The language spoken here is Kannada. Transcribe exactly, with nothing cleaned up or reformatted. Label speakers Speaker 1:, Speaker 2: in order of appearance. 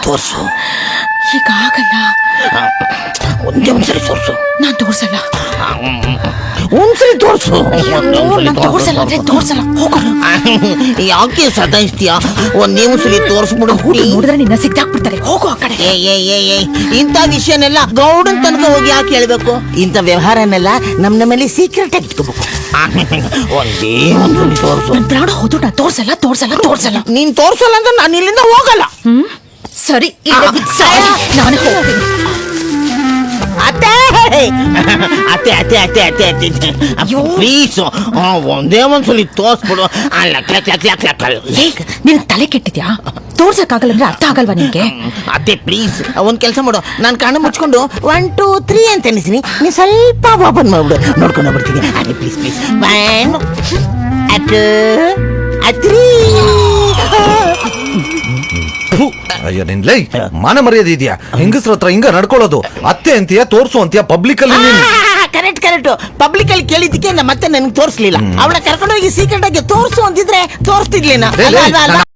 Speaker 1: ತೋರ್ಸು.
Speaker 2: ಈಗ ಆಗಲ್ಲ.
Speaker 1: ಒಂದೇ ಒಂದ್ಸಲಿ ತೋರ್ಸು.
Speaker 2: ನಾನ್ ತೋರ್ಸಲ್ಲ.
Speaker 1: ಒಂದ್ಸಲಿ ತೋರ್ಸು.
Speaker 2: ನಾನ್ ತೋರ್ಸಲ್ಲ ಅಂದ್ರೆ ತೋರ್ಸಲ್ಲ. ಹೋಗು.
Speaker 1: ಯಾಕೆ ಸತಾಯಿಸ್ತೀಯ? ಒಂದೇ ಒಂದ್ಸಲಿ ತೋರ್ಸ್ಬಿಡು.
Speaker 2: ನೋಡಿದ್ರೆ ನಿನ್ನ ಸಿಕ್ಕಾಕ್ಬಿಡ್ತಾರೆ. ಹೋಗು ಆ ಕಡೆ.
Speaker 1: ಏ ಏ ಏ ಏ ಇಂಥ ವಿಷಯನೆಲ್ಲ ಗೌಡನ್ ತನಕ ಹೋಗಿ ಯಾಕೆ ಹೇಳ್ಬೇಕು? ಇಂಥ ವ್ಯವಹಾರನೆಲ್ಲ ನಮ್ ನಮ್ಮಲ್ಲಿ ಸೀಕ್ರೆಟ್ ಆಗಿ ಇಟ್ಕೋಬೇಕು. ಒಂದೇ ಒಂದ್ಸಲಿ ತೋರ್ಸು.
Speaker 2: ನನ್ ಪ್ರಾಣ ಹೋದು ನಾ ತೋರ್ಸಲ್ಲ ತೋರ್ಸಲ್ಲ ತೋರ್ಸಲ್ಲ.
Speaker 1: ನೀನ್ ತೋರ್ಸಲ್ಲ ಅಂದ್ರೆ ನಾನು ಇಲ್ಲಿಂದ ಹೋಗಲ್ಲ.
Speaker 2: ಹ್ಮ್ ಸರಿ, ನಾನು ಹೋಗ್ತೀನಿ.
Speaker 1: ಅತ್ತೆ ಅತ್ತೆ ಅತ್ತೆ ಅತ್ತೆ ಅತ್ತೆ ಅತ್ತೆ ಪ್ಲೀಸ್ ಒಂದೇ ಒಂದ್ಸಲಿ ತೋರ್ಸ್ಬಿಡು.
Speaker 2: ನಿನ್ ತಲೆ ಕೆಟ್ಟಿದ್ಯಾ? ತೋರ್ಸಕ್ಕಾಗಲ್ಲ ಅಂದ್ರೆ ಅರ್ಥ ಆಗಲ್ವಾ ನಿನ್ಗೆ?
Speaker 1: ಅತ್ತೆ ಪ್ಲೀಸ್ ಒಂದ್ ಕೆಲಸ ಮಾಡು. ನಾನು ಕಣ್ಣು ಮುಚ್ಕೊಂಡು ಒನ್ ಟೂ ತ್ರೀ ಅಂತ ಎನಿಸ್ತೀನಿ, ನೀ ಸ್ವಲ್ಪ ಓಪನ್ ಮಾಡ್ಬಿಡು, ನೋಡ್ಕೊಂಡು ಬರ್ತೀನಿ. ಅದೇ ಪ್ಲೀಸ್ ಪ್ಲೀಸ್ ಒನ್ ಅಟ್ ಅತ್ರೀ.
Speaker 3: ಅಯ್ಯೋ ನಿನ್ ಲೈ ಮಾನ ಮರ್ಯಾದೆ ಇದೆಯಾ? ಹೆಂಗಸ್ರ ಹತ್ರ ಹಿಂಗ ನಡ್ಕೊಳ್ಳೋದು? ಅತ್ತೆ ಅಂತೀಯ, ತೋರ್ಸು ಅಂತೀಯ, ಪಬ್ಲಿಕ್ ಅಲ್ಲಿ.
Speaker 1: ಕರೆಕ್ಟ್ ಕರೆಕ್ಟ್ ಪಬ್ಲಿಕ್ ಅಲ್ಲಿ ಕೇಳಿದ್ದಕ್ಕೆ ಮತ್ತೆ ನನಗೆ ತೋರಿಸ್ಲಿಲ್ಲ. ಅವಳ ಕರ್ಕೊಂಡೋಗಿ ಸೀಕ್ರೆಟ್ ಆಗಿ ತೋರ್ಸು ಅಂತಿದ್ರೆ ತೋರಿಸ್ತಿರ್ಲಿಲ್ಲ.